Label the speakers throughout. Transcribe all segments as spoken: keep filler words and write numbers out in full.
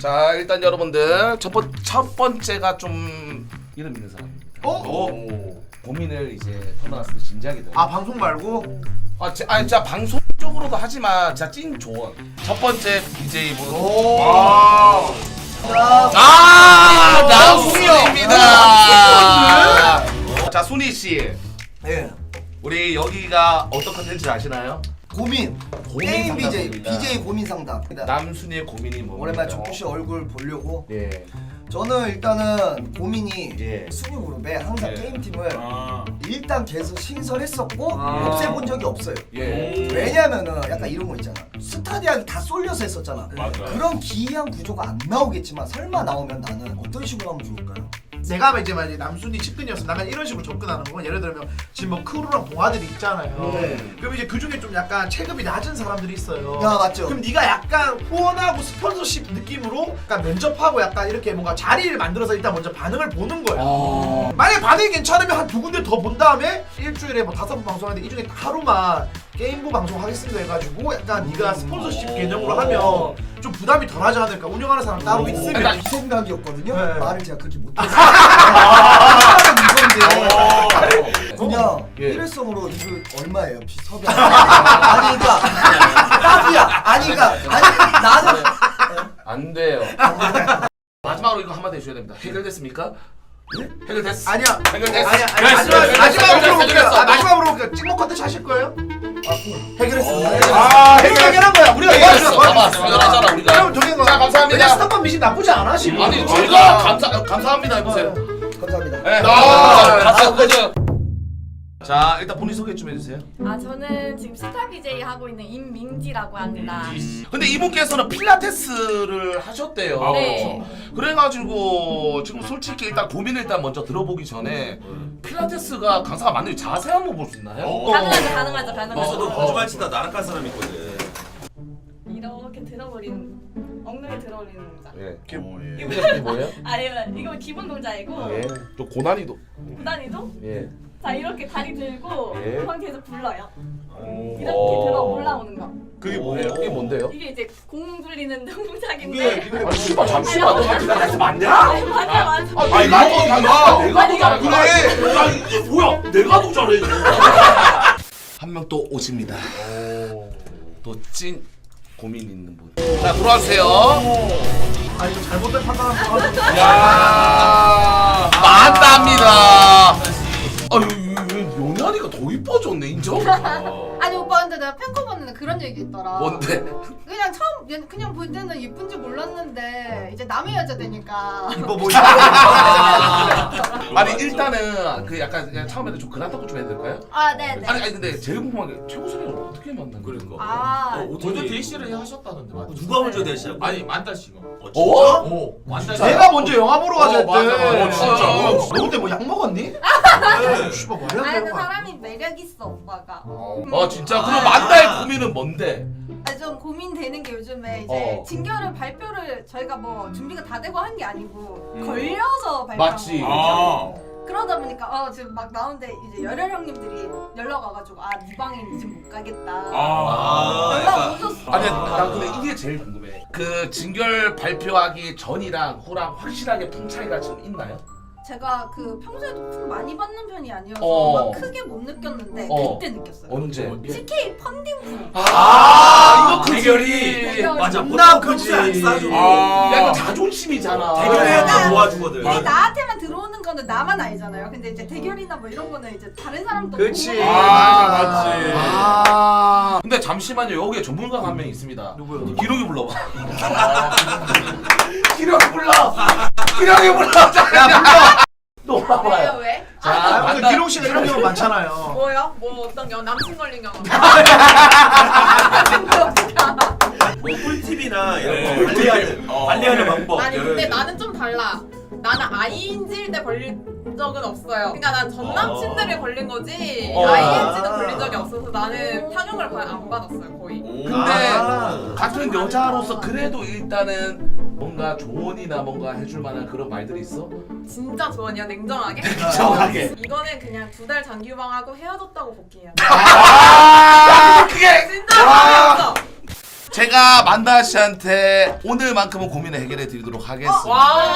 Speaker 1: 자 일단 여러분들 첫, 번, 첫 번째가 좀 이름 있는 사람입니다.
Speaker 2: 어?
Speaker 1: 오. 고민을 이제 터나왔을 때 진지하게 돼.
Speaker 2: 아 방송 말고?
Speaker 1: 아, 제, 아니, 진짜 방송 쪽으로도 하지만 진짜 찐 조언. 첫 번째 비제이 분.
Speaker 2: 오.
Speaker 1: 아, 아 나순이입니다. 자, 순이 씨.
Speaker 2: 예.
Speaker 1: 우리 여기가 어떤 컨텐츠 아시나요?
Speaker 2: 고민.
Speaker 1: 고민
Speaker 2: 게임 비제이.
Speaker 1: 상담입니다.
Speaker 2: 비제이 고민 상담.
Speaker 1: 남순이의 고민이 뭡니까?
Speaker 2: 오랜만에 정국 씨 얼굴 보려고.
Speaker 1: 예.
Speaker 2: 저는 일단은 고민이
Speaker 1: 예.
Speaker 2: 순위 그룹에 항상
Speaker 1: 예.
Speaker 2: 게임팀을
Speaker 3: 아.
Speaker 2: 일단 계속 신설했었고
Speaker 1: 아.
Speaker 2: 없애본 적이 없어요.
Speaker 1: 예.
Speaker 2: 왜냐면은 약간 이런 거 있잖아. 스타디아를 다 쏠려서 했었잖아.
Speaker 3: 맞아.
Speaker 2: 그런 기이한 구조가 안 나오겠지만 설마 나오면 나는 어떤 식으로 하면 좋을까요?
Speaker 4: 내가 이제 만약에 남순이 측근이었으면 나는 이런 식으로 접근하는 건 예를 들면 지금 뭐 크루랑 동아들이 있잖아요.
Speaker 2: 네.
Speaker 4: 그럼 이제 그 중에 좀 약간 체급이 낮은 사람들이 있어요.
Speaker 2: 야, 맞죠.
Speaker 4: 그럼 네가 약간 후원하고 스폰서십 느낌으로 약간 면접하고 약간 이렇게 뭔가 자리를 만들어서 일단 먼저 반응을 보는 거야.
Speaker 1: 아.
Speaker 4: 만약에 반응이 괜찮으면 한 두 군데 더 본 다음에 일주일에 뭐 다섯 번 방송하는데 이 중에 하루만 게임부 방송하겠습니다 해가지고 약간 네가 스폰서십 개념으로 하면 좀 부담이 덜하지 않을까. 운영하는 사람 따로 있으면.
Speaker 2: 이 생각이었거든요.
Speaker 4: 네.
Speaker 2: 말을 제가 그렇게 못해서 하는 이건데 그냥
Speaker 1: 예.
Speaker 2: 일회성으로 이거 얼마예요? 비 섭외 아니 그니까 딱이야 아니 그니까 아니 나는
Speaker 1: 안 돼요. 마지막으로 이거 한마디 해줘야 됩니다. 해결됐습니까? 네? 해결됐어.
Speaker 4: 아니야.
Speaker 1: 해결됐어.
Speaker 4: 아니야. 아니,
Speaker 1: 해결됐어.
Speaker 4: 마지막 마지막으로
Speaker 1: 해결됐어.
Speaker 4: 물어볼게요.
Speaker 1: 해결됐어.
Speaker 4: 아, 마지막으로 물어볼게요. 찍먹 컨텐츠 하실 거예요?
Speaker 2: 해결했습니다.
Speaker 4: 아, 해결 해결한 거야. 우리가
Speaker 1: 해결했어.
Speaker 4: 해결했어.
Speaker 1: 봐봐, 해결하잖아 우리가.
Speaker 4: 그럼 저기 거.
Speaker 1: 자, 감사합니다.
Speaker 4: 스타번 미신 나쁘지 않아 지금.
Speaker 1: 아니 저희가 감사 감사합니다 해보세요.
Speaker 2: 감사합니다.
Speaker 1: 네.
Speaker 4: 아,
Speaker 1: 가서 그죠. 자 일단 본인 소개 좀 해주세요.
Speaker 5: 아 저는 지금 스타 비제이 하고 있는 임민지라고 합니다.
Speaker 1: 근데 이분께서는 필라테스를 하셨대요.
Speaker 3: 아,
Speaker 5: 네.
Speaker 1: 그래가지고 지금 솔직히 일단 고민을 일단 먼저 들어보기 전에 필라테스가 강사가 맞는지 자세 한번 볼 수 있나요?
Speaker 5: 가능하죠, 가능하죠, 가능하죠.
Speaker 3: 그래서도 거짓말 치다 나락간 사람 있거든.
Speaker 5: 이렇게 들어버리는 엉덩이 들어버리는 동작.
Speaker 1: 예.
Speaker 3: 어, 예.
Speaker 1: 이게 뭐예요?
Speaker 5: 아니 이거 기본 동작이고
Speaker 1: 예. 또 고난이도.
Speaker 5: 구단이도
Speaker 1: 예.
Speaker 5: 자 이렇게 다리 들고
Speaker 1: 예.
Speaker 5: 그만 계속 불러요.
Speaker 3: 오.
Speaker 5: 이렇게
Speaker 1: 오.
Speaker 5: 들어 올라오는 거.
Speaker 1: 그게 뭐예요? 이게 뭔데요?
Speaker 5: 이게 이제 공 굴리는 동작인데.
Speaker 3: 이게 이게
Speaker 1: 아 씨발 잠시만. 너 필라테스 맞냐?
Speaker 5: 아니, 맞아 맞아.
Speaker 1: 아 내가 더 잘해. 내가 더 잘해. 그래. 야 이게 뭐야? 내가 더 잘해. 한 명 또 오십니다. 또 찐 고민 있는 분. 자 들어와주세요.
Speaker 4: 아 이거 잘못된 판단한 거 같아.
Speaker 1: 야 맞답니다. 아유 명란이가 더 이뻐졌네 인정?
Speaker 6: 아니 오빠 근데 내가 팬커 봤는데 그런 얘기 있더라.
Speaker 1: 뭔데?
Speaker 6: 그냥 처음 얘- 그냥 볼 때는 예쁜지 몰랐는데 이제 남의 여자 되니까
Speaker 4: 이뻐 보이네.
Speaker 1: 아니 일단은 그 약간 그냥 처음에는 좀 그런 닦고 좀 해야 될까요?
Speaker 6: 아 네네.
Speaker 1: 아니 아니 근데 제일 궁금한 게 최고선이를 어떻게 만난 거야?
Speaker 3: 그러니까.
Speaker 6: 아
Speaker 3: 어,
Speaker 7: 먼저
Speaker 3: 어떻게
Speaker 7: 데이시를 하셨다는데 맞죠?
Speaker 3: 누가 먼저 대시야?
Speaker 7: 아니 만달 씨가.
Speaker 3: 어, 진짜?
Speaker 1: 어?
Speaker 7: 오 만달 씨.
Speaker 4: 내가 먼저 영화 보러 가자
Speaker 7: 어,
Speaker 4: 했대.
Speaker 7: 맞아, 맞아.
Speaker 1: 어, 진짜?
Speaker 4: 너 그때 뭐 약 먹었니? 네. 씨발 말이 안
Speaker 6: 아니 근데
Speaker 4: 되는 거
Speaker 6: 사람이 매력 있어 오빠가.
Speaker 1: 아 진짜? 그럼 만다의 고민은 뭔데?
Speaker 6: 아니 좀 고민되는 게 요즘에 이제
Speaker 1: 어.
Speaker 6: 진결을 발표를 저희가 뭐 준비가 다 되고 한 게 아니고
Speaker 1: 음.
Speaker 6: 걸려서 발표한
Speaker 1: 맞지.
Speaker 6: 거거든요.
Speaker 3: 아.
Speaker 6: 그러다 보니까 어 지금 막 나오는데 이제 열혈 형님들이 연락 와가지고 아 네 방에 이제 못 가겠다.
Speaker 3: 아.
Speaker 6: 연락 오셨어.
Speaker 1: 아니 나 근데 이게 제일 궁금해. 그 진결 발표하기 전이랑 후랑 확실하게 풍 차이가 좀 있나요?
Speaker 6: 제가 그 평소에도 품 많이 받는 편이 아니어서
Speaker 1: 어.
Speaker 6: 막 크게 못 느꼈는데
Speaker 1: 어.
Speaker 6: 그때 느꼈어요.
Speaker 1: 언제?
Speaker 6: 티케이 펀딩 품.
Speaker 1: 아, 이거
Speaker 3: 대결이.
Speaker 6: 대결이.
Speaker 3: 맞아.
Speaker 4: 나
Speaker 3: 보통 평소에 안
Speaker 4: 그지.
Speaker 3: 싸줘.
Speaker 1: 야 이거 자존심이잖아.
Speaker 3: 대결해야
Speaker 6: 아.
Speaker 3: 돼 도와주거든.
Speaker 6: 내 나한테만 들어오는 거는 나만 알잖아요. 근데 이제 대결이나 뭐 이런 거는 이제 다른 사람도
Speaker 4: 그치.
Speaker 6: 보고
Speaker 4: 아,
Speaker 3: 맞지.
Speaker 1: 아 근데 잠시만요 여기에 전문가가 한 명 있습니다.
Speaker 4: 누구요?
Speaker 1: 기록이 불러봐. 기록이 불러. 기록이 불러. 야 불러. 너
Speaker 5: 왜요
Speaker 1: 봐봐요.
Speaker 5: 왜?
Speaker 1: 자
Speaker 4: 아, 근데
Speaker 1: 만다.
Speaker 4: 기록 씨가 이런 경우 많잖아요.
Speaker 5: 뭐요? 뭐 어떤 경우 남친 걸린 경우.
Speaker 3: 뭐 꿀팁이나 이런 거
Speaker 1: 네.
Speaker 3: 관리하는
Speaker 1: 어.
Speaker 3: 관리하는 방법.
Speaker 5: 아니
Speaker 3: 여러
Speaker 5: 근데
Speaker 3: 가지.
Speaker 5: 나는 좀 달라. 나는 아이엔지일 때 걸린 적은 없어요. 그러니까 난 전 남친들이 걸린 거지
Speaker 1: 어.
Speaker 5: 아이엔지는 걸린 적이 없어서 나는 타격을 거의 안 받았어요 거의.
Speaker 3: 오.
Speaker 1: 근데
Speaker 4: 아.
Speaker 1: 같은 여자로서 그래도 일단은 뭔가 조언이나 뭔가 해줄 만한 그런 말들이 있어?
Speaker 5: 진짜 조언이야 냉정하게.
Speaker 1: 정확하게.
Speaker 5: 이거는 그냥 두 달 장기유방하고 헤어졌다고 복귀해야 돼.
Speaker 1: 아 그게
Speaker 5: 진짜 말이었어.
Speaker 1: 제가 만다 씨한테 오늘만큼은 고민을 해결해 드리도록 하겠습니다.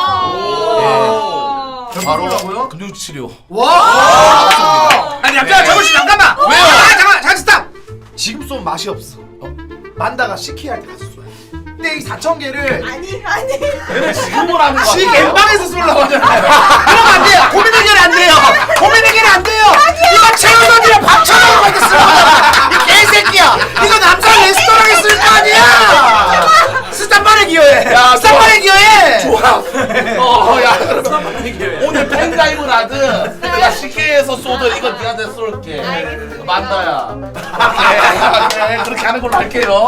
Speaker 5: 와.
Speaker 4: 바로
Speaker 1: 근육치료.
Speaker 4: 와! 아니 잠깐 잠깐만 잠깐만.
Speaker 1: 왜요?
Speaker 4: 아, 잠깐 잠깐 스탑. 지금 쏘면 맛이 없어. 어? 만다가 시키 할 때 가서 쏘야 돼. 근데 이 사천 개를
Speaker 6: 아니 아니.
Speaker 1: 얘는 지금을 하는 거
Speaker 4: 지
Speaker 1: 같아.
Speaker 4: 엠방에서 쏠라고 하잖아요. 그러면 안 돼요. 고민 해결 안 돼요. 고민 해결 안 돼요. 이거 최우선이랑 밥처럼 이렇게 쓰는 거잖아. 이 개새끼야. 이거 남자 레스토랑에 쓸 거 아니야. 스탑만에 기여해.
Speaker 1: 야,
Speaker 4: 스탑만에 기여해.
Speaker 1: 좋아. 어, 야, 그러면 오늘 팬가입을 하든 내가 시계에서 쏘든 이거 니한테 쏠게.
Speaker 5: 알겠습니다.
Speaker 1: 만다야. 오케이, 그래, 그렇게 하는 걸로 할게요.